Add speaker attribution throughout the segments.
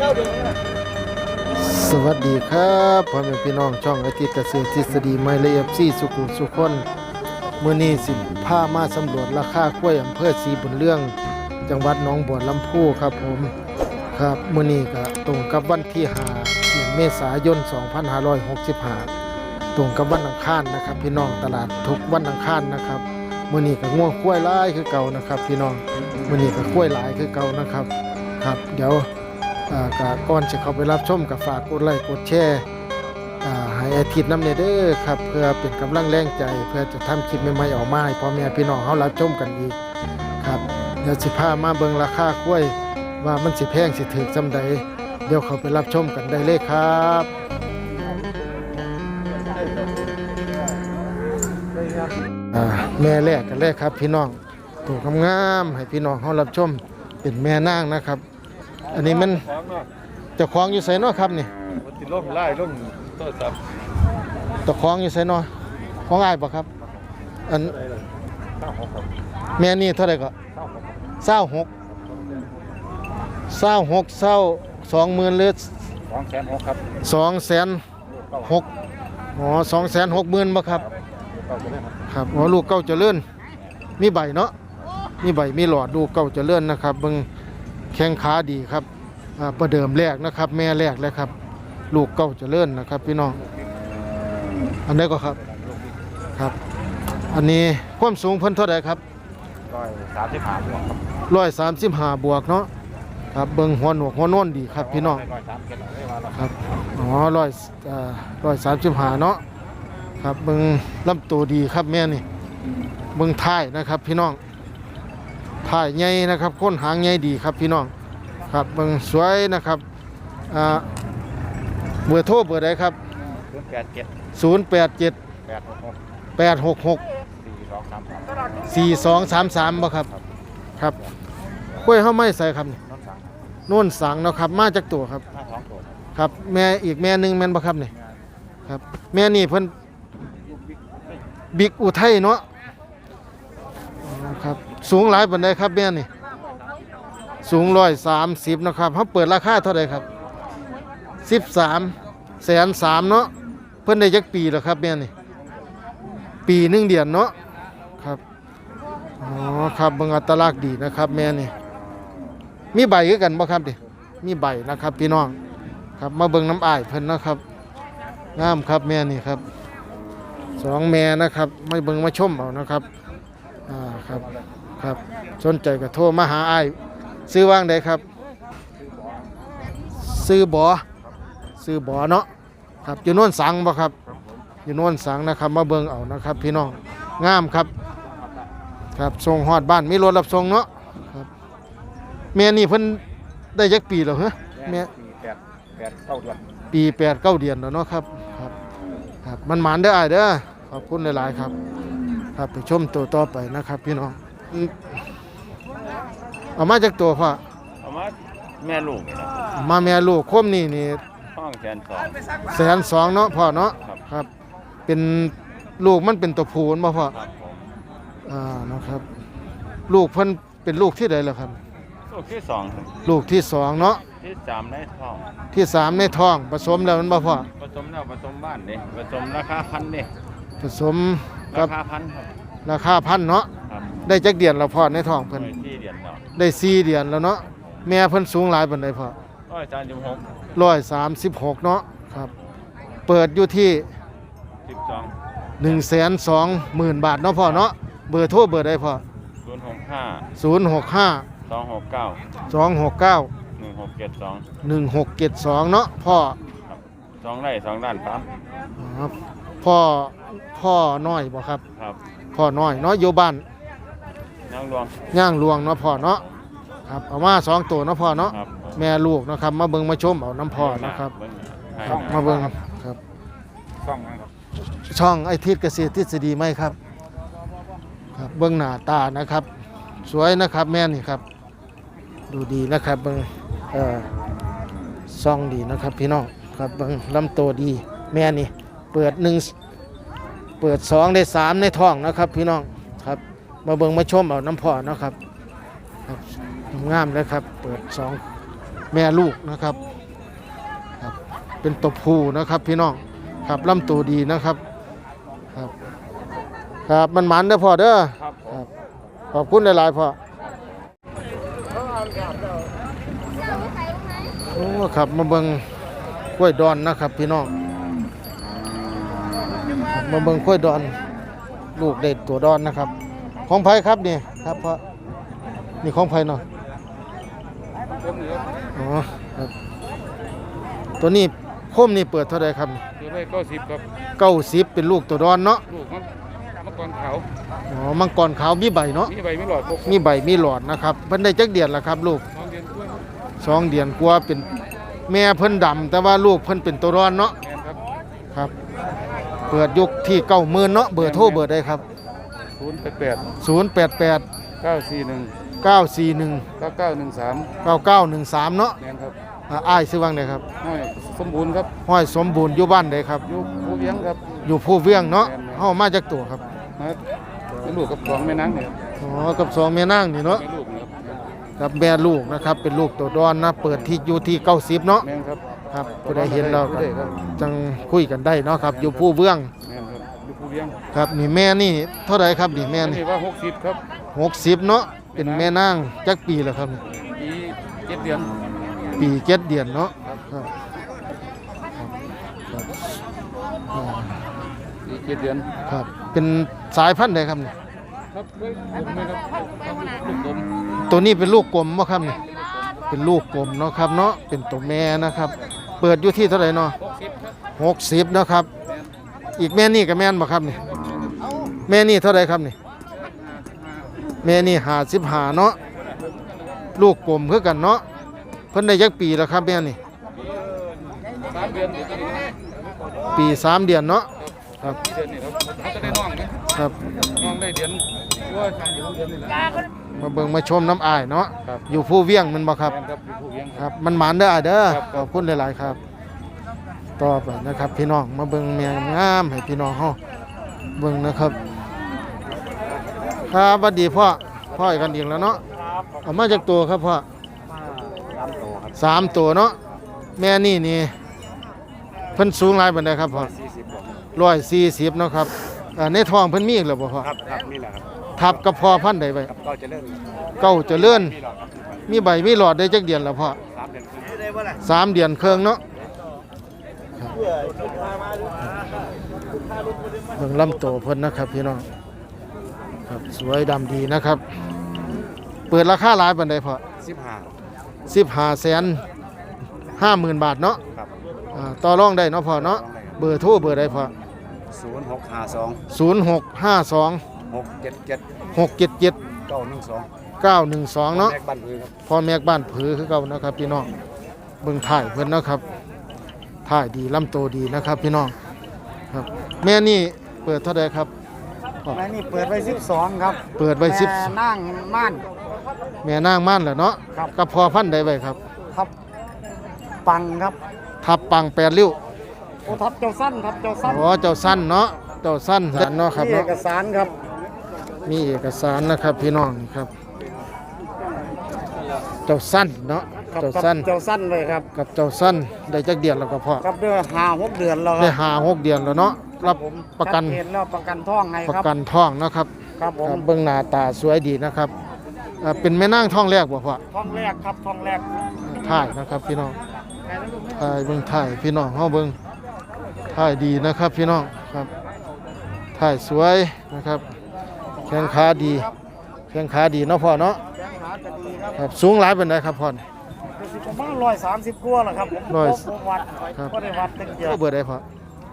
Speaker 1: สวัสดีครับพ่อแม่พี่น้องช่องอาทิตย์เกษตรทฤษฎีไม่ละเอียดซี่สุขุมสุขคนมื้อนี้สิพามาสำรวจราคากล้วยอำเภอศรีบุญเรื่องจังหวัดหนองบัวลำพูครับผมครับมื้อนี้ก็ตรงกับวันที่5เดือนเมษายน2565ตรงกับวันอังคารนะครับพี่น้องตลาดทุกวันอังคารนะครับมื้อนี้ก็ง่วงกล้วยหลายคือเก่านะครับพี่น้องมื้อนี้ก็กล้วยหลายคือเก่านะครับครับเดี๋ยวก่อนจะเข้าไปรับชมกับฝากกดไลค์กดแชร์ให้อาทิตย์น้ำเนเด้อครับเพื่อเป็นกำลังแรงใจเพื่อจะทำคลิปใหม่ๆออกมาให้พ่อแม่พี่น้องเขารับชมกันอีกครับเดี๋ยวสิพามาเบิ่งราคากล้วยว่ามันสิแพงสิถูกจำใดเดี๋ยวเข้าไปรับชมกันได้เลยครับแม่แรกกันแรกครับพี่น้องตัวงามๆให้พี่น้องเขารับชมเป็นแม่นางนะครับอันนี้มันเจ้าของอยู่ไสเนาะครับนี่
Speaker 2: ติล่มไล่ล่มโทษครับ
Speaker 1: เจ้าของอยู่ไสเนาะของอ้ายบ่ครับอันแม่นี่เท่าไหร่ก็26 20,000หรือ
Speaker 2: 260,000ครับ
Speaker 1: 260,000อ๋อ260,000บ่ครับครับอ๋อลูกเก้าเจริญมีใบเนาะมีใบมีหลอดลูกเก้าเจริญนะครับเบิ่งแข้งขาดีครับประเดิมแรกนะครับแม่แรกเลยครับลูกเก้าเจริญนะครับพี่น้องอันนี้ก็ครับครับอันนี้ความสูงเพิ่นเท่าไหร่ครับ
Speaker 2: 135บวกครับ
Speaker 1: 135บวกเนาะครับเบิ่งหัวหนวกหัวโน้นดีครับพี่น้องครับอ๋อ135เนาะครับเบิ่งลำตัวดีครับแม่นี่เบิ่งท้ายนะครับพี่น้องท้ายใหญ่นะครับก้นหางใหญ่ดีครับพี่น้องครับเบิ่งสวยนะครับเบอร์โทรเบอร์ใดครับ087 866 4233บ่ครับครับกล้วยเฮาไม่ใส่ครับนี่โน่นสังเนาะครับมาจากตัวครับครับแม่อีกแม่นึงแม่นบ่ครับนี่ครับแม่นี่เพิ่นบิ๊กอุทัยเนาะครับสูงหลายปานใดครับแม่นี่สูง130นะครับเฮาเปิดราคาเท่าใดครับ13,300,000เนาะเพิ่นได้จักปีแล้วครับแม่นี่ปี1เดือนเนาะครับอ๋อครับเบิ่งอัตลักษณ์ดีนะครับแม่นี่มีใบคือกันบ่ครับดิมีใบนะครับพี่น้องครับมาเบิ่งน้ำอ้ายเพิ่นนะครับงามครับแม่นี่ครับ2แม่นะครับไม่เบิ่งมาชมเอานะครับครับครับสนใจก็โทรมาหาอ้ายซื้อว่างใดครับซื้อบอเนาะครับอยู่โน่นสังบ่ครับอยู่โน่นสังนะครับมาเบิ่งเอานะครับพี่น้องงามครับครับส่งฮอดบ้านมีรถรับส่งเนาะครับแม่นี่เพิ่นได้จักปีแล้วเหรอแม่ปี8-9 เดือนแล้วเนาะครับครับครับมันหมานเด้ออ้ายเด้อขอบคุณหลายๆครับครับไปชมตัวต่อไปนะครับพี่น้องเอามาจากตัวพ่อ
Speaker 2: เอามาแม่ลูก
Speaker 1: มาแม่ลูกคมนี่
Speaker 2: ห้อง
Speaker 1: 120,000เนาะพ่อเนาะครับเป็นลูกมันเป็นตัวผู้บ่พ่อนะครับลูกเพิ่นเป็นลูกที่ใดล่ะครับ
Speaker 2: ลูกที่2ครับ
Speaker 1: ลูกที่2เนาะ
Speaker 2: ที่3ในท้อง
Speaker 1: ที่3ในท้องผสมแล้วมันบ่พ่อ
Speaker 2: ผสมแล้วผสมบ้านเด้ผสมราคาพันเด้
Speaker 1: ผสมกับ
Speaker 2: ราคาพันครับ
Speaker 1: ราคาพันเนาะได้จักเดือนแล้วพ่อในท้องเพิ่นได้4 เดือนแล้วเนาะแม่เพิ่นสูงหลายปานใดพ่อ136เนาะครับเปิดอยู่ที่120,000 บาทเนาะพ่อเนาะเบอร์โทรเบอร์ใดพ่อ065 269 1672เนาะพ่อ
Speaker 2: 2 ไร่2 ด้านครับ
Speaker 1: พ่อน้อยบ่ครับพ่อน้อยเนาะอยู่บ้านย่างหลวงเนาะพ่อเนาะครับเอามา2ตัวเนาะพ่อเนาะแม่ลูกนะครับมาเบิ่งมาชมเอาน้ำพ่อนะครับครับมาเบิ่งครับช่องไอทิศเกษตรทฤษฎีไหมครับครับเบิ่งหน้าตานะครับสวยนะครับแม่นี่ครับดูดีนะครับเบิ่งซ่องดีนะครับพี่น้องครับเบิ่งลำโตดีแม่นี่เปิด2ได้3ในท้องนะครับพี่น้องครับมาเบิ่งมาชมเอาน้ำพ่อนะครับครับงามเลยครับเปิด2 แม่ลูกนะครับครับเป็นตัวผู้นะครับพี่น้องครับลำตัวดีนะครับครับครับมันหมันเด้อพ่อเด้อ
Speaker 2: ครับผ
Speaker 1: ครั
Speaker 2: ม
Speaker 1: บขอบคุณหลายๆพ่อโอ้ครับมาเบิ่งกล้วยดอนนะครับพี่น้องครับมาเบิ่งกล้วยดอนลูกเด็ดตัวดอนนะครับของไผครับนี่ครับพ่อนี่ของไผเนาะอ๋อครับตัวนี้โคมนี่เปิดเท่าไหร่ครับ
Speaker 2: คือได้90ครับ
Speaker 1: 90เป็นลูกตัวดอนเนาะ
Speaker 2: ลูกมันมังกรขาว
Speaker 1: อ๋อมังกรขาวมีใบเนาะ
Speaker 2: มีใบไม่หลอดพวก
Speaker 1: มีใบมีหลอดนะครับเพิ่นได้จักเดือนละครับลูก
Speaker 2: 2 เดือนกล้วย
Speaker 1: 2 เดือนกว่าเป็นแม่เพิ่นดำแต่ว่าลูกเพิ่นเป็นตัวดอนเนาะ
Speaker 2: แม่นครับ
Speaker 1: ครับเปิดยุคที่90,000เนาะเบอร์โทรเบอร์ใดครับ
Speaker 2: 088
Speaker 1: 088
Speaker 2: 941
Speaker 1: 941
Speaker 2: 9913
Speaker 1: 9913เนาะ
Speaker 2: แม่นครับ
Speaker 1: อ้ายซื้อวังใดครับ
Speaker 2: น้อยสมบูรณ์ครับ
Speaker 1: ห้อยสมบูรณ์อยู่บ้านใดครับ
Speaker 2: อยู่ผู้เลี้ยงครับ
Speaker 1: อยู่ผู้เวียงเนาะเฮามาจากตัวครับ
Speaker 2: มาเป็นลูกกับของแม่นางเนี่ย
Speaker 1: อ๋อกับสองแม่นางนี่เนาะ
Speaker 2: แม่ลูกนะครับ
Speaker 1: กับแม่ลูกนะครับเป็นลูกตัวดอนนะเปิดที่อยู่ที่90เนาะ
Speaker 2: แม่นครับ
Speaker 1: ครับผู้ใดเห็นแล้วก็
Speaker 2: ได้ครับ
Speaker 1: จังคุยกันได้เนาะครับอยู่ผู้เวียง
Speaker 2: แม่นครับอยู่ผู้เลี้ยง
Speaker 1: ครับนี่แม่นี่เท่าไหร่ครับนี่แม่
Speaker 2: อัน
Speaker 1: นี่
Speaker 2: นี้ว่า60ครับ
Speaker 1: 60เนาะเป็นแม่นางจักปีแล้วครับนี่
Speaker 2: ปี7 เดือน
Speaker 1: ปี7เดือนเนาะครับครับอ่า
Speaker 2: ปี7 เดือน
Speaker 1: ครับเป็นสายพันธุ์ใดครับนี่
Speaker 2: ครับเฮ้ยผมไหมครับลูกกลม
Speaker 1: ตัวนี้เป็นลูกกลมบ่ครับนี่เป็นลูกกลมเนาะครับเนาะเป็นตัวแม่นะครับ เปิดอยู่ที่เท่าไหร่เนาะ
Speaker 2: 60ครับ
Speaker 1: 60เนาะครับอีกแม่นี่กับแม่นบ่ครับนี่แม่นี่เท่าไหร่ครับนี่แม่นี่55เนาะลูกกลมคือกันเนาะเพิ่นได้จักปีแล้วครับแม่นี่
Speaker 2: 3 เดือนเดี๋ยวจะได้
Speaker 1: ปี3เดือนเนาะครับ
Speaker 2: เดือนนี่ครับเขาจะได้น้องนะครับ น้องได้เดือนว่า3 เดือนนี่แหละ
Speaker 1: มาเบิ่งมาชมน้ำอ้ายเนาะ
Speaker 2: ครับ
Speaker 1: อยู่ผู้เวียงแมันบ่ครับ
Speaker 2: แม่นครับอยู่ผู้เลี้ยง
Speaker 1: ครับมันหมานเด้ออ้ายเด้อ
Speaker 2: ครับ
Speaker 1: ขอบคุณหลายๆครับ ต่อไปนะครับ พี่น้องมาเบิ่งแมงงามให้พี่น้องเฮาเบิ่งนะครับครับสวัสดีพ่ออีกกันอีกแล้วเนาะเอามาจากตัวครับพ่อ3ตัวเนาะแม่นี่เพิ่นสูงหลายปานใดครับพ่อ 140เนาะครับในท้องเพิ่นมีอีกแล้วบ่พ่อ
Speaker 2: ครับนี่แหละครับ
Speaker 1: ทับกับพ่อพันธุ์ใดไว้
Speaker 2: ครับก็จะเริ่ม
Speaker 1: เก้าเจริญ
Speaker 2: มีหลอดครับ
Speaker 1: มีใบมีหลอดได้จักเดือนแล้วพ่อ
Speaker 2: 3 เดือนครึ่ง
Speaker 1: 3 เดือนครึ่งเนาะเบิ่งลำโตวเพิ่นนะครับพี่น้องครับสวยดำดีนะครับ เปิดราคาหลายปานใดพ่อ
Speaker 2: 15
Speaker 1: 15,50,000 บาทเนาะ
Speaker 2: ครับ
Speaker 1: ต่อรองได้เนาะพ่อเนาะเบอร์โทรเบอร์ใดพ่อ
Speaker 2: 0652
Speaker 1: 0652
Speaker 2: 677
Speaker 1: 677
Speaker 2: 912
Speaker 1: 912เนาะ
Speaker 2: แม่บ้านพื้นครับ
Speaker 1: พ่อแม่บ้านผือคือเก่านะครับพี่น้องเบิ่งถ่ายเพิ่นนะครับถ่ายดีลำโตดีนะครับพี่น้องครับแม่นี่เปิดเท่าใดครับ
Speaker 3: แม่นี่เปิดไว้12ครับ
Speaker 1: เปิดไว้
Speaker 3: แม่นั่งม่าน
Speaker 1: 10แม่นางม่านแหละเนาะ
Speaker 3: ครับ
Speaker 1: กับพอพันธุ์ใดไว้ครับ
Speaker 3: ทับปังครับ
Speaker 1: ทับปัง8ริ้ว
Speaker 3: โอ้ทับเจ้าสั้นครับเจ้าสั้น
Speaker 1: อ๋อเจ้าสั้นเนาะเจ้าสั้นสันเนาะครับ
Speaker 3: มีเอ
Speaker 1: เนาะ
Speaker 3: กสารครับ
Speaker 1: มีเอกสารนะครับพี่น้องนี่ครับเจ้าสั้นเนาะ
Speaker 3: ครับ
Speaker 1: เจ้าสั้น
Speaker 3: เจ้าสั้นเลยครับ
Speaker 1: กับเจ้าสั้นได้จักเดือนแล้วก็พอ
Speaker 3: ครับเดือน5-6 เดือนแล้วค
Speaker 1: ได้
Speaker 3: รับ
Speaker 1: 5-6 เดือนแล้วเนาะรับ
Speaker 3: ผม
Speaker 1: ประกัน
Speaker 3: ชัดเจนแล้วประกันท่องไง
Speaker 1: ประ
Speaker 3: ครับ
Speaker 1: กันท้องนะครับ
Speaker 3: ครับผม
Speaker 1: เบื้องหน้าตาสวยดีนะครับเป็นแม่นางท้องแรกบ่พ่อ
Speaker 3: ท่องแรกครับท่องแรก
Speaker 1: ถ่ายนะครับพี่น้องถ่ายเบิ่งถ่ายพี่น้องเฮาเบิ่งถ่ายดีนะครับพี่น้องครับถ่ายสวยนะครับแข้งขาดีแข้งขาดีเนาะพ่อเนาะ
Speaker 3: แข้งขาจะดีครับ
Speaker 1: ครับสูงหลายปานใดครับพ่อ
Speaker 3: ประมาณ130กว่าแหละครับผม
Speaker 1: ร้อย
Speaker 3: ผมวัด
Speaker 1: ครับ
Speaker 3: ก็ได้วัดตั้งเดียว
Speaker 1: เบอร์ใดพ่อ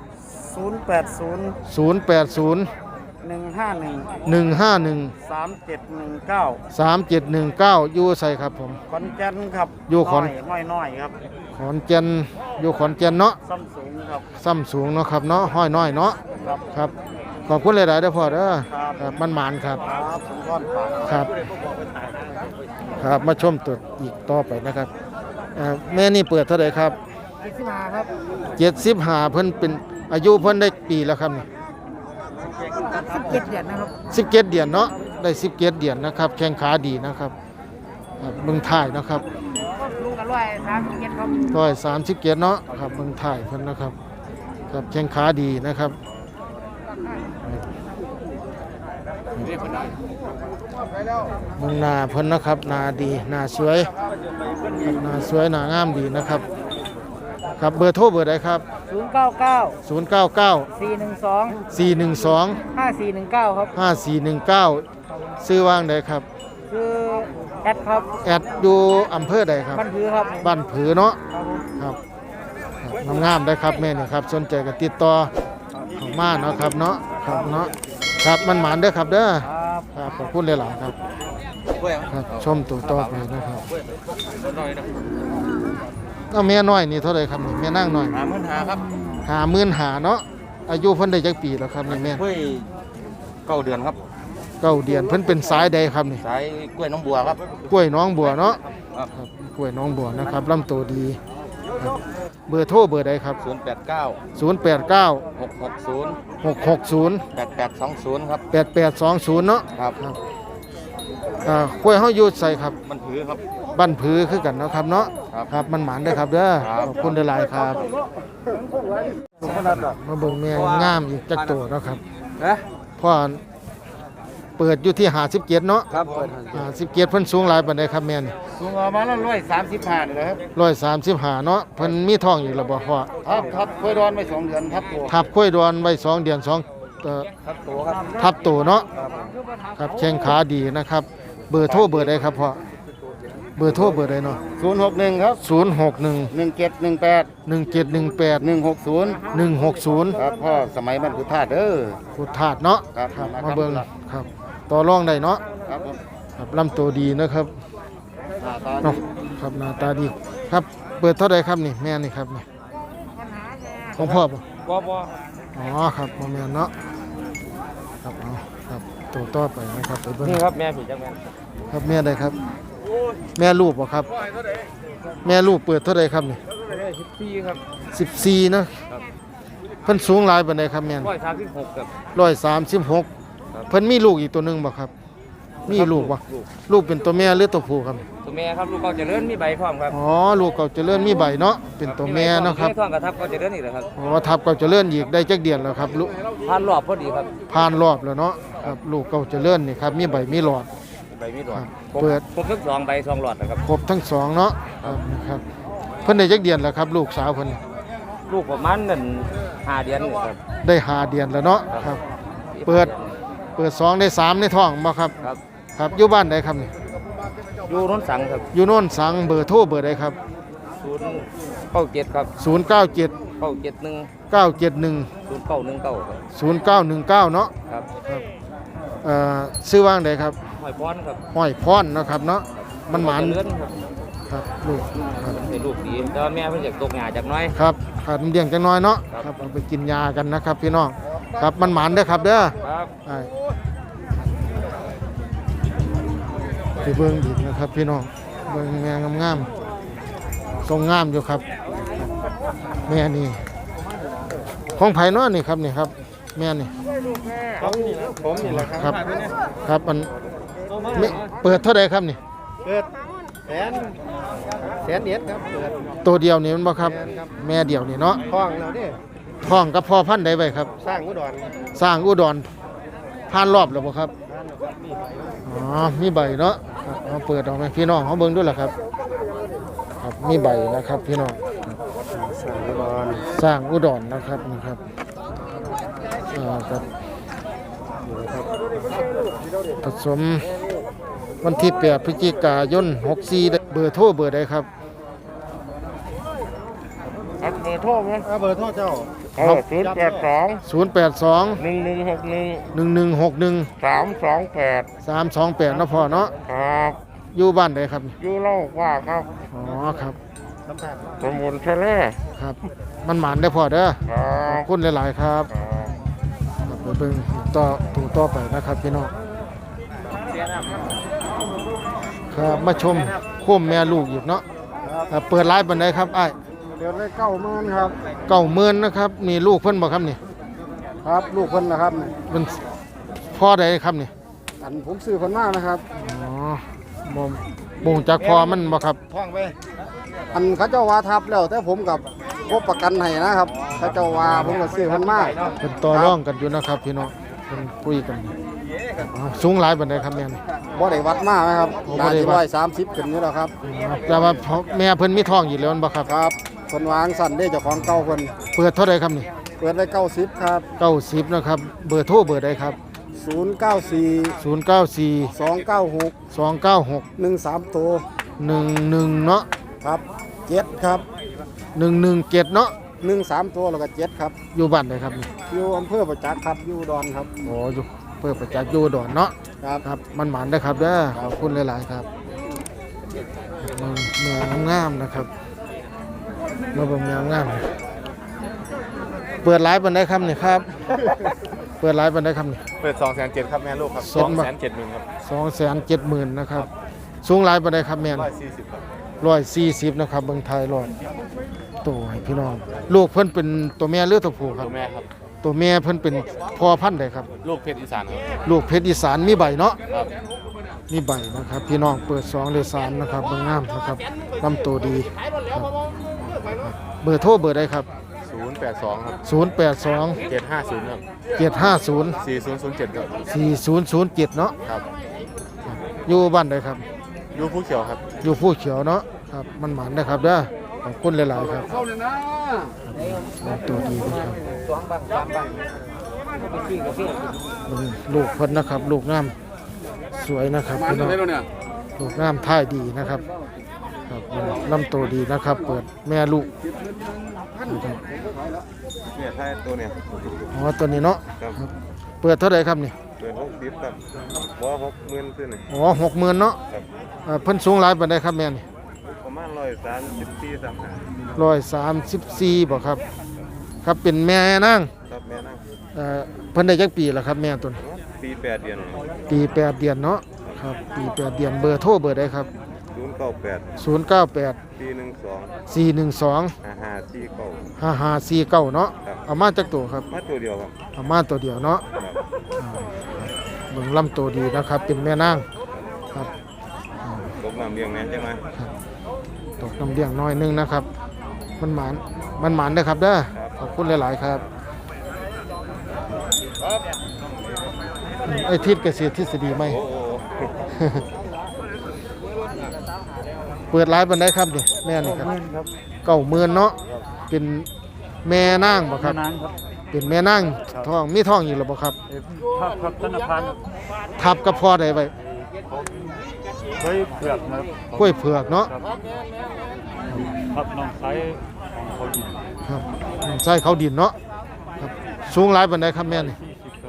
Speaker 3: 080
Speaker 1: 080
Speaker 3: 151
Speaker 1: 151
Speaker 3: 3719
Speaker 1: 3719อยู่ไสครับผม
Speaker 3: ขอนแก่นครับ
Speaker 1: อยู่ขอน
Speaker 3: น้อยครับ
Speaker 1: ขอนแก่นอยู่ขอนแก่นเนาะ
Speaker 3: ซ้ำสูงครับ
Speaker 1: ซ้ำสูงเนาะครับเนาะห้อยน้อยเนาะ
Speaker 3: ครับ
Speaker 1: ครับขอบคุณหลายๆเด้อพ่อเด้อ
Speaker 3: ครับ
Speaker 1: ครับมันหมานครับ
Speaker 3: ครับสมก้อนปาก
Speaker 1: ครับ ครับมาชมตัวอีกต่อไปนะครับแม่นี่เปิดเท่าไหร่ครับ
Speaker 3: ที่ขึ้นมาครับ
Speaker 1: 75เพิ่นเป็นอายุเพิ่นได้ปีแล้วครับนี่
Speaker 3: 17 เดือนนะครับ
Speaker 1: 17 เดือนเนาะได้17 เดือนนะครับแข้งขาดีนะครับเบิ่งถ่ายนะครับ
Speaker 3: ลูกก 137ครับ
Speaker 1: 137เนาะครับเบิ่งถ่ายเพิ่นนะครับครับแข้งขาดีนะครับเบิ่งหน้าเพิ่นนะครับหน้าดีหน้าสวยครับหน้าสวยหน้างามดีนะครับครับเบอร์โทรเบอร์ใดครับ
Speaker 3: 099
Speaker 1: 099
Speaker 3: 412
Speaker 1: 412
Speaker 3: 5419ครับ
Speaker 1: 5419ซื้อว่างใดครับ
Speaker 3: คือแอดครับ
Speaker 1: แอดอยู่อำเภอใดครับ
Speaker 3: บ้านผือครับ
Speaker 1: บ้านผือเนาะ
Speaker 3: ครับผม
Speaker 1: ครับงามๆได้ครับแม่นี่ครับสนใจก็ติดต่อเข้ามาเนาะครับเนาะครับเนาะครับมันหมานเด้อครับเด้อ
Speaker 3: ครับ
Speaker 1: ครับขอบคุณหลายๆครับครับชมตัวต่อไปนะครับเอาแม่น้อยนี่เท่าไหร่ครับนี่แม่นางน้อย
Speaker 2: 50,000ครับ
Speaker 1: 55,000เนาะอายุเพิ่นได้จักปีแล้วครับนี่แม่
Speaker 2: เฮ้ย9เดือนครับ
Speaker 1: เก้าเดือนเพิ่นเป็นสายใดครับนี่
Speaker 2: สายกล้วยน้องบัวครับ
Speaker 1: กล้วยน้องบัวเนาะ
Speaker 2: ครับ
Speaker 1: ครับกล้วยน้องบัวนะครับลำตัวดีครับเบอร์โทรเบอร์ใดครับ
Speaker 2: 089
Speaker 1: 089
Speaker 2: 660
Speaker 1: 660
Speaker 2: 8820ครับ
Speaker 1: 8820เนาะ
Speaker 2: ครับ
Speaker 1: ครับกล้วยเฮาอยู่ใส่ครับ
Speaker 2: มันถือครับ
Speaker 1: บ้านผือคือกันเนาะครับเนาะ
Speaker 2: ครับ
Speaker 1: ครับมันหมานได้อครับเด้อ
Speaker 2: ครับ
Speaker 1: ขอบคุณหลายๆครับมาเบิ่งแม่งามอีกจักตัวเนาะครับ
Speaker 2: นะ
Speaker 1: พ่อเปิดอยู่ที่57เนาะ
Speaker 2: ครับเปิด
Speaker 1: 57เพิ่นสูงหลายปานใดครับแม่นี่
Speaker 3: สูงประมาณ135นี่แหละครับ
Speaker 1: 135เนาะเพิ่นมีท้องอยู่แล้วบ่พ่อ
Speaker 3: ครับเคยดอนไป2เดือนครับตัว
Speaker 1: ทับกล้วยดอนไว้2เดือน2
Speaker 3: ครับตัวครับ
Speaker 1: ทับตัวเนาะครับแข้งขาดีนะครับ เบอร์โทรเบอร์ใดครับพ่อเบอร์โทรเบอร์ใดเนาะ
Speaker 3: 061ครับ
Speaker 1: 061
Speaker 3: 1718
Speaker 1: 1718
Speaker 3: 160
Speaker 1: 160
Speaker 3: ครับพ่อสมัยมันพุทธาเด้อ
Speaker 1: พุทธาตุเนาะ
Speaker 3: ครับ
Speaker 1: มาเบิ่งครับต่อรองได้เนาะ
Speaker 3: ครับผม
Speaker 1: ครับลำตัวดีนะครับ
Speaker 3: หน้าตา
Speaker 1: เนาะครับหน้าตาดีครับเปิดเท่าใดครับนี่แม่นี่ครับนี่ของพ่อป่ะ
Speaker 2: บ่
Speaker 1: อ๋อครับบ่แม่นเนาะครับเอาครับตัวต่อไปนะครับไปเบิ่ง
Speaker 2: นี่ครับแม่ผีจังแม่น
Speaker 1: ครับแม่ใดครับ แม่ลูกบ่ครับ แม่ลูกเปิดเท่าใดครับนี่
Speaker 2: 14ครับ
Speaker 1: 14เนาะเพิ่นสูงหลายปานใดครับแม่น
Speaker 2: 136ครับ
Speaker 1: 136เพิ่นมีลูกอีกตัวหนึงบ่ครับ มีลูกบ่ลูกเป็นตัวแม่หรือตัวผู้ครับ
Speaker 2: ตัวแม่ครับลูกเก่าเจริญมีใบพร้อมครับ
Speaker 1: อ๋อลูกเก่าเจริญมีใบเนาะเป็นตัวแม่เนาะครับ
Speaker 2: มีท้องกระทับเก่าเจริญอีกแล้วครับ
Speaker 1: อ๋อทับเก่าเจริญอีกได้จักเดือนแล้วครับลูก
Speaker 2: ผ่านรอบพอดีครับ
Speaker 1: ผ่านรอบแล้วเนาะครับลูกเก่าเจริญนี่ครับมีใบมีหลอด
Speaker 2: ใบมีหลอ
Speaker 1: ครั
Speaker 2: ด
Speaker 1: บเปิด
Speaker 2: ครบทั้ง2ใบ2หลอดนะครับ
Speaker 1: ครบทั้งสองเนาะครับนะครับเพิ่นได้จักเดือนแล้วครับลูกสาวเพิ่น
Speaker 2: ลูกประมาณนั่น5เดือนนี่ครับ
Speaker 1: ได้5เดือนแล้วเนาะครับ เปิด2ได้3ในท้องบ่ครับ
Speaker 2: ครับ
Speaker 1: ครับอยู่บ้านใดครับนี่
Speaker 2: อยู่โนนสังครับ
Speaker 1: อยู่โน่นสังเบอร์โทรเบอร์ใดครับ
Speaker 2: 097ครับ
Speaker 1: 097
Speaker 2: 971
Speaker 1: 971
Speaker 2: 0919ครับ
Speaker 1: 0919เนาะ
Speaker 2: ครับ
Speaker 1: ซื้อว่างใดครับ
Speaker 2: หอยพรครับ
Speaker 1: ห้อยพรเนาะครับเนาะมันหมาน
Speaker 2: เจริญครับ
Speaker 1: ครับลูกครับ
Speaker 2: เป็นลูกดีแต่ว่าแม่เพิ่นอยากตกหญ้าจากน้อย
Speaker 1: ครับขาดน้ำเลี้ยงจังน้อยเนาะ
Speaker 2: ครับ
Speaker 1: ครับเอาไปกินยากันนะครับพี่น้องครับมันหมานเด้อครับเด้อ
Speaker 2: ครับ
Speaker 1: ไปเบิ่งอีกนะครับพี่น้องเบิ่งแม่งามๆทรงงามอยู่ครับแม่นี่ของไผเนาะนี่ครับนี่ครับแม่นี่
Speaker 3: ผมนี่แหละ
Speaker 1: ครับครับมันไม่เปิดเท่าใดครับนี่
Speaker 3: เปิดแสนเอ็ดครับเปิด
Speaker 1: ตัวเดียวนี่มันบ่ครับแม่เดียวนี่เนาะ
Speaker 3: คล้องแล้วนี่
Speaker 1: ท้องกับพ่อพันธุ์ใดไว้ครับ
Speaker 3: สร้างอุดร
Speaker 1: สร้างอุดรผ่านรอบแล้วบ่ครับอ๋อมีใบเนาะครับเอาเปิดออกไหมพี่น้องเขาเบิ่งด้วยล่ะครับครับมีใบนะครับพี่น้อง
Speaker 3: สร้างอุดร
Speaker 1: สร้างอุดรนะครับนี่ครับครับผสมวันที่8พฤศจิกายน64ได้เบอร์โทรเบอร์ใดครับ
Speaker 3: เบอร์โทรไหมเบอร์โทรเจ้า
Speaker 1: 082
Speaker 3: 1161
Speaker 1: 1161
Speaker 3: 328
Speaker 1: 328เนาะพ่อเนาะ
Speaker 3: ครับ
Speaker 1: อยู่บ้านใดครับ
Speaker 3: อยู่เล่าว่าครับ
Speaker 1: อ๋อครับ
Speaker 3: สมุนทะเล
Speaker 1: ครับมันหมานได้อพ่อเด้อ
Speaker 3: ครั
Speaker 1: ขอบบ คุณหลายๆครับครับไปเบิ่งต่อไปนะครับพี่น้องครับมาชมโคมแม่ลูกอีกเนาะเปิดไลฟ์บันไดครับอ้าย
Speaker 3: เดี๋ยวได้90,000ครับ
Speaker 1: 90,000นะครับนี่ลูกเพิ่นบ่ครับนี่
Speaker 3: ครับลูกเพิ่นนะครับ
Speaker 1: เป็นพ่อใดครับนี่
Speaker 3: อันผมซื้อเพิ่นมานะครับ
Speaker 1: อ๋อบ่บ่งจากพ่อมันบ่ครับ
Speaker 3: ท่องไปอันเขาเจ้าว่าทับแล้วแต่ผมกับพบประกันให้นะครับเขาเจ้าว่าผมก็ซื้อพันมา
Speaker 1: เป็นต่อร่องกันอยู่นะครับพี่น้องเป็นคุยกันสูงหลายปานใดครับแม่น
Speaker 3: บ่ได้วัดมาไหมครับ
Speaker 1: โอ้บ่
Speaker 3: น่า
Speaker 1: ได้
Speaker 3: จะ
Speaker 1: วัด
Speaker 3: 130ขึ้นนี่แหละครับ
Speaker 1: แต่ว่าแม่เพิ่นมีท้องอยู่แล้วบ่ครับ
Speaker 3: ครับคนวางสั่นได้เจ้าของเก่าคน
Speaker 1: เปิดเท่าใดครับนี่
Speaker 3: เปิดไว้90ครับ
Speaker 1: 90นะครับเบอร์โทรเบอร์ใดครับ
Speaker 3: 094
Speaker 1: 094
Speaker 3: 296
Speaker 1: 296
Speaker 3: 13ตัว
Speaker 1: 11เนาะ
Speaker 3: ครับ7ครับ
Speaker 1: 117เนาะ
Speaker 3: 13ตัวแล้วก็7ครับ
Speaker 1: อยู่บ้านใดครับนี่
Speaker 3: อยู่อำเภอประจักษ์ครับอยู่อุดอนครับ
Speaker 1: อ๋ออยู่เปิดประจักษ์อยู่อุดอนเนาะ
Speaker 3: ครับ
Speaker 1: ครับมันหมานได้อครับเด้อขอบคุณหลายๆครับเมืองงามนะครับมาเบิ่งเมืองงามเปิดไลฟ์บันไดครับนี่ครับ เปิดไลฟ์บันไดครับนี่
Speaker 2: เปิด270,000ครับแม่ลูกครับ
Speaker 1: สองบาท
Speaker 2: 270,000ครับ
Speaker 1: 270,000นะครับสูงไลฟ์บันไดครับแม่น
Speaker 2: 140ครับ
Speaker 1: 140นะครับเบิ่งไทยรอดตัวให้พี่น้องลูกเพิ่นเป็นตัวแม่หรือตัวผู้ครับ
Speaker 2: ตัวแม่ครับ
Speaker 1: ตัวแม่เพิ่นเป็นพ่อพันธุ์ใดครับ
Speaker 2: ลูกเพชรอีสานครับ
Speaker 1: ลูกเพชรอีสานมีใบเนาะ
Speaker 2: ครับ
Speaker 1: มีใบนะครับพี่น้องเปิด2เลย3นะครับเบิ่งงามนะครับลำตัวดีครับเบอร์โทรเบอร์ใดครับ
Speaker 2: 082ครับ
Speaker 1: 082
Speaker 2: 750ครับ
Speaker 1: 750
Speaker 2: 4007ครับ
Speaker 1: 4007เนาะ
Speaker 2: ครับ
Speaker 1: อยู่บ้านใดครับ
Speaker 2: ยูผู้เขียวครับ
Speaker 1: อยู่ผู้เขียวเนาะครับมันหมานนะครับเด้อขอบคุณหลายๆครับลำตัวดีนะครับลูกเพิ่นนะครับ ลูกงามสวยนะครับพี่น้องลูกงามท่ายดีนะครับครับลำตัวดีนะครับ เปิดแม่ลูก
Speaker 2: เนี่ยถ้าตัวเนี่ย
Speaker 1: อ๋อตัวนี้เนาะ
Speaker 2: ครับ
Speaker 1: ครับเปิดเท่าไหร่ครับนี่
Speaker 2: เปิด60ครับบ่60,000ขึ้นนี่
Speaker 1: อ๋อ60,000เนาะ
Speaker 2: ครับ
Speaker 1: เพิ่นสูงหลายปานใดครับแม่นี่
Speaker 2: ประมาณ134 35
Speaker 1: 134บ่ครับ ครับเป็นแม่นาง
Speaker 2: ครับแม่นั่ง
Speaker 1: เพิ่นได้จักปีแล้วครับแม่ตัวนี้
Speaker 2: ปี8เดือน
Speaker 1: ปี8เดือนเนาะครับปี8เดือนเบอร์โทรเบอร์ใดครับ
Speaker 2: 098
Speaker 1: 098
Speaker 2: 412
Speaker 1: 412
Speaker 2: 5549
Speaker 1: 5549เนาะ
Speaker 2: ครับ
Speaker 1: เอามาจากตัวครับ
Speaker 2: มาตัวเดียวครับ
Speaker 1: เอามาตัวเดียวเนาะ
Speaker 2: ครับ
Speaker 1: เบิ่งลำตัวดีนะครับ เป็นแม่นางครับ
Speaker 2: ตกน้ำเลี้ยงแม่ใช่ไหม
Speaker 1: ตกน้ำเลี้ยงน้อยนึงนะครับ มันหมานเด้อครับเด้อขอบคุณหลายๆครับไอ้ทิศเกษตรทฤษฎีไหม
Speaker 2: โอ้โห
Speaker 1: เปิดร้านบันไดครับนี่แม่นี่ครับ90,000เนาะเป็นแม่นางบ่ครับ
Speaker 4: นางครับ
Speaker 1: เป็นแม่นางท้องมีท้องอยู่หรือบ่ครับ
Speaker 4: ครับธนาคาร
Speaker 1: ทับกับพ่อใดไว้
Speaker 4: เคยเผือกนะครับ
Speaker 1: กล้วยเผือกเนาะ
Speaker 4: ครับน้องไซของเขาดิน
Speaker 1: ครับใส่เขาดินเนาะครับสูงหลายบันไดครับแม่นี่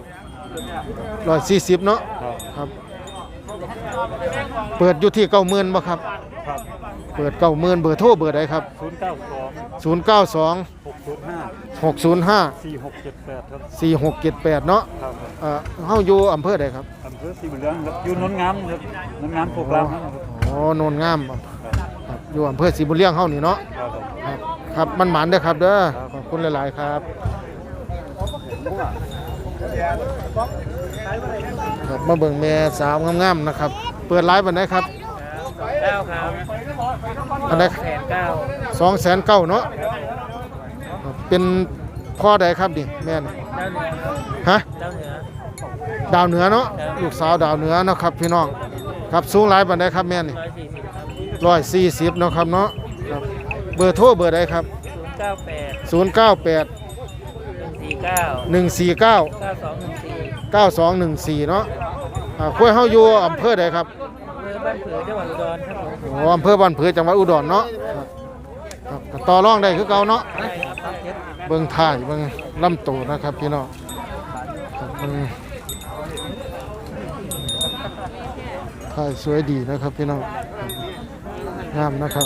Speaker 1: 140เนาะ
Speaker 4: ครับ
Speaker 1: ครับ เปิดอยู่ที่90,000บ่ครับ
Speaker 4: ครับ
Speaker 1: เปิด90,000เบอร์โทรเบอร์ใดครับ
Speaker 4: 092
Speaker 1: 092
Speaker 4: 605
Speaker 1: 605
Speaker 4: 4678ครับ
Speaker 1: 4678เนาะ
Speaker 4: ครับ
Speaker 1: เฮาอยู่อำเภอใดครับ
Speaker 4: อำเภอสีบุญเรืองครับอยู่โนนงามครับโนนงามโคกรามครับ
Speaker 1: อ๋อโนนงามครับอยู่อำเภอศรีบุญเลี้ยงเฮานี่เนาะ
Speaker 4: ครับผม
Speaker 1: ครับครับมันหมานเด้อครับเด้อขอบคุณหลายๆครับครับมาเบิ่งแม่สาวงามๆนะครับ เปิดไลฟ์บันไดครับ
Speaker 5: 9 ครับ
Speaker 1: อันใด 209,000เนาะครับเป็นพ่อใดครับดิแม่นี่
Speaker 5: ดาวเหนือครับ
Speaker 1: ฮะ
Speaker 5: ดาวเหนือ
Speaker 1: ดาวเหนือเนาะลูกสาวดาวเหนือเนาะครับพี่น้องครับสูงหลายบันไดครับแม่นี่
Speaker 5: 140 ครับ
Speaker 1: 140เนาะครับเนาะครับเบอร์โทรเบอร์ใดครับ
Speaker 5: 098
Speaker 1: 098
Speaker 5: 149
Speaker 1: 149
Speaker 5: 9214
Speaker 1: 9214เนาะคุยเฮาอยู่อำเภอใดครับ
Speaker 5: เมืองบ้านผือจังหวัดอุดรครับผม
Speaker 1: อ๋ออำเภอบ้านผือจังหวัดอุดรเนาะครับครับก็ต่อรองได้คือเก่าเนาะ
Speaker 5: ได้ครับครับเจ็ด
Speaker 1: เบิ่งถ่ายเบิ่งลำตัวนะครับพี่น้องครับเบิ่งถ่ายสวยดีนะครับพี่น้องงามนะครับ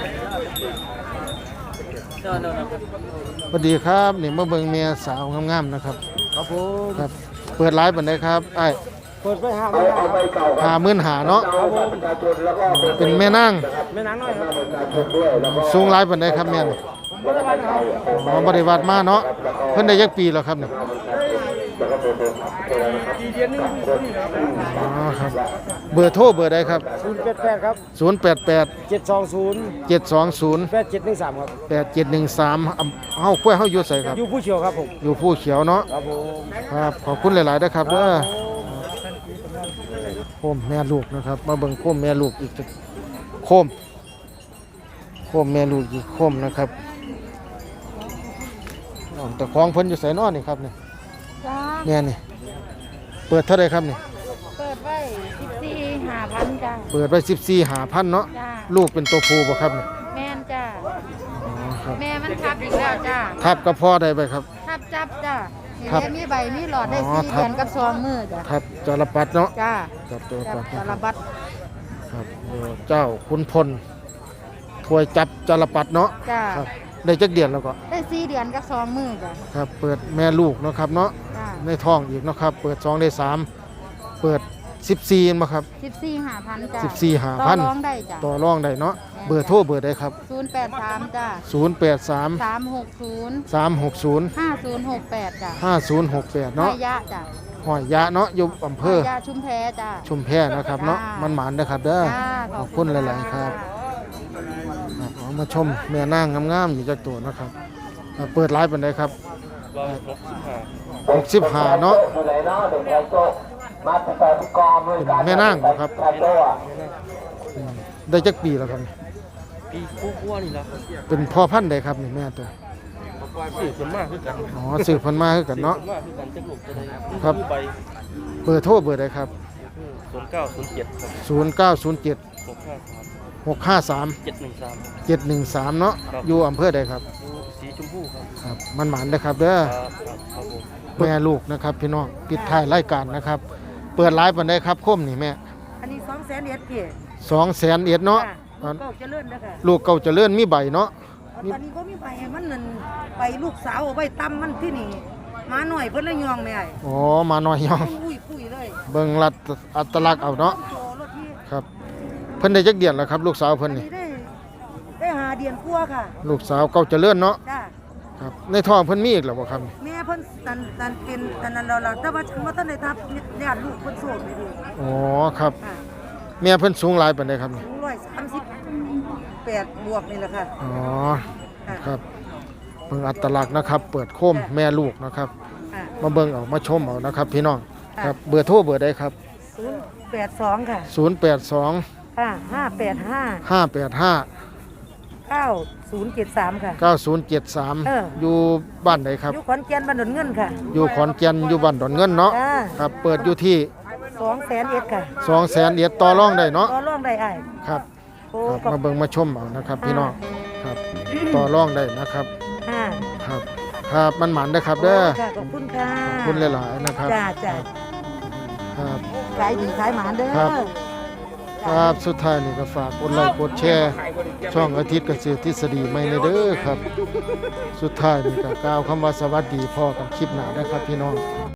Speaker 5: นอนครับ
Speaker 1: สวัสดีครับนี่มาเบิ่งเมียสาวงามๆนะครับ
Speaker 3: ครับผม
Speaker 1: ครับเปิดไลฟ์บันไดครับไอ้
Speaker 3: เปิดไว้
Speaker 1: 50,000เนาะเป็นแม่นาง
Speaker 3: แม่นางน้อยครับ
Speaker 1: สูงไลฟ์บันไดครับแม่นอ๋อบริวารมาเนาะเพิ่นได้ยักปีแล้วครับนี่อ๋อครับเบอร์โทรเบอร์ใดครับ
Speaker 3: 088ครับ
Speaker 1: 088
Speaker 3: 720
Speaker 1: 720
Speaker 3: 8713ครับ
Speaker 1: 8713เฮากล้วยเฮาอยู่ไสครับ
Speaker 3: อยู่ผู้เชี่ยวครับผม
Speaker 1: อยู่ผู้เขียวเนาะ
Speaker 3: ครับผม
Speaker 1: ครับขอบคุณหลายๆนะครับเด้อโคมแม่ลูกนะครับ มาเบิ่งโคมแม่ลูกอีกจักโคมแม่ลูกอีกโคมนะครับอ๋อแต่ของเพิ่นอยู่ไสเนาะนี่ครับนี่
Speaker 6: จ้า
Speaker 1: แม่นี่เปิดเท่าไหร่ครับนี่
Speaker 6: เปิดไว้14,500จ้า
Speaker 1: เปิดไว้14,500เนาะ
Speaker 6: จ้า
Speaker 1: ลูกเป็นตัวผู้บ่ครับนี่
Speaker 6: แม่นจ้า
Speaker 1: อ๋อครับ
Speaker 6: แม่มันทับอีกแล้วจ้า
Speaker 1: ทับกระเพาะได้ไปครับ
Speaker 6: ทับจับจ้าเห็น
Speaker 1: ครับ
Speaker 6: แล้วมีใบมีหลอดได้
Speaker 1: อ๋อ
Speaker 6: 4
Speaker 1: ทับ
Speaker 6: เดือนกับ2มื้อจ้า
Speaker 1: ครับจรปัดเนาะ
Speaker 6: จ้า
Speaker 1: จับตัว
Speaker 6: จั
Speaker 1: ปั
Speaker 6: บ
Speaker 1: ด
Speaker 6: สารบัด
Speaker 1: ครับโอ้เจ้าขุนพลถวยจับจรปัดเนาะ
Speaker 6: จ้า
Speaker 1: ครับได้จักเดือนแล้วก็
Speaker 6: ได้4เดือนกับ2มื้อจ้า
Speaker 1: ครับเปิดแม่ลูกเนาะครับเนาะ
Speaker 6: จ้า
Speaker 1: ในท้องอีกเนาะครับเปิด2ได้3เปิด14มาครับ
Speaker 6: 14,500จ้า
Speaker 1: 14,500
Speaker 6: ต่อรองได้จ้า
Speaker 1: ต่อรองได้เนาะเบอร์โทรเบอร์ใดครับ
Speaker 6: 083จ้า
Speaker 1: 083
Speaker 6: 360
Speaker 1: 360
Speaker 6: 5068จ้า
Speaker 1: 5068เนาะ
Speaker 6: ห้อยยะจ้า
Speaker 1: หอยยะเนาะอยู่อำเภอ
Speaker 6: ห้อยยะชุมแพจ้า
Speaker 1: ชุมแพนะครับเนาะ
Speaker 6: จ้า
Speaker 1: มันหมานนะครับเด้อ
Speaker 6: จ้า
Speaker 1: ขอบคุณหลายๆครับ ครับเอามาชมแม่นางงามๆอยู่จักตัวนะครับเปิดไลฟ์ปานใดครับ 65เนาะเป็นแม่นางบ่ครับอืมได้จักปีแล้วครับ
Speaker 5: ปีกู้ๆนี่ละ
Speaker 1: เป็นพ่อพันธุ์ใดครับนี่แม่ตัว
Speaker 5: สื่อส่วนมากคือกัน
Speaker 1: อ๋อสืบพันธุ์มาคือกันเนาะ
Speaker 5: ส่วนมากคือกันจะลูกจะได้
Speaker 1: ครับ
Speaker 5: ใบ
Speaker 1: เบอร์โทรเบอร์ใดครับ
Speaker 5: 0907ครับ
Speaker 1: 0907
Speaker 5: 653
Speaker 1: 653
Speaker 5: 713
Speaker 1: 713เนาะ
Speaker 5: ครับ
Speaker 1: อยู่อำเภอใดครับ
Speaker 5: สีชมพูครับ
Speaker 1: ครับมันหมานนะครับเด้อ
Speaker 5: ครับผม
Speaker 1: แม่ลูกนะครับพี่น้องปิดท้ายรายการนะครับ เปิดไลฟ์ปานใดครับคมนี่แม่
Speaker 7: อันนี้200,000เอ็ดพี่
Speaker 1: 200,000เอ็ดเนาะ
Speaker 7: ลูกเก้าเจริญเด้อค่ะ
Speaker 1: ลูกเก่าเจริญมีใบเนาะ
Speaker 7: ตอนนี้ก็มีไปมันนั่นไปลูกสาวเอาไว้ตำมันที่นี่มาหน่อยเพิ่นเลยยองแม่ไอ้
Speaker 1: อ๋อมาหน่อยยอง
Speaker 7: อุ้ยปุ้ยเลย
Speaker 1: เบิ่งรัดอัตลักษณ์เอาเนาะ
Speaker 7: โตรถที่
Speaker 1: ครับเพิ่นได้จักเดือนแล้วครับ ลูกสาวเพิ่น
Speaker 7: อัน
Speaker 1: นี่
Speaker 7: นี้ได้หาเดือนกว่าค่ะ
Speaker 1: ลูกสาวเก่าเจริญเนาะ
Speaker 7: จ้า
Speaker 1: ครับในท้องเพิ่นมีอีกแล้วบ่ครับ
Speaker 7: แม่เพิ่นตันเป็นตันนั้นเราแต่ว่าฉันบ่ทันได้ทับญาติลูกเพิ่นโสดเลยดิ
Speaker 1: อ๋อครับ
Speaker 7: ค่ะ
Speaker 1: แม่เพิ่นสูงหลายปานใดครับนี่
Speaker 7: สูง138บวกนี่แหละค่ะ
Speaker 1: อ๋อ
Speaker 7: ค่ะ
Speaker 1: ครับเบิ่งอัตลักษณ์นะครับ เปิดโคมแม่ลูกนะครับ
Speaker 7: ค่ะ
Speaker 1: มาเบิ่งเอามาชมเอานะครับ พี่น้องครับเบอร์โทรเบอร์ใดครับ
Speaker 7: 082ค่ะ
Speaker 1: 082
Speaker 7: ค่ะ585
Speaker 1: 585
Speaker 7: 9073 ค่ะ
Speaker 1: 9073
Speaker 7: เออ
Speaker 1: อยู่บ้านไหนครับ
Speaker 7: อยู่ขอนแก่นบ้านดอนเงินค่ะ
Speaker 1: อยู่ขอนแก่นอยู่บ้านดอนเงินเนาะ
Speaker 7: จ้า
Speaker 1: ครับเปิดอยู่ที่
Speaker 7: 200,000เอ็ดค่ะ
Speaker 1: 200,000เอียดต่อรองได้เนาะ
Speaker 7: ต่อรองได้อ้าย
Speaker 1: ครับ
Speaker 7: โอ้
Speaker 1: ครับ
Speaker 7: ขอบ
Speaker 1: มาเบิ่งมาชมเอานะครับ พี่น้องครับต่อรองได้นะครับ
Speaker 7: ค่ะ
Speaker 1: ครับครับมันหมันนะครับเด้อ
Speaker 7: ค่ะขอบคุณค่ะ
Speaker 1: ขอบคุณหลายๆนะครับ
Speaker 7: จ้าจ้า
Speaker 1: ครับ
Speaker 7: ขายดีขายหมานเด้อ
Speaker 1: ครับ ครับสุดท้ายนี่ก็ฝากกดไลค์กดแชร์ช่องอาทิตย์เกษตรทฤษฎีใหม่ในเด้อครับ สุดท้ายนี่ก็กล่าวคำว่าสวัสดีพ่อกันคลิปหน้านะครับพี่น้อง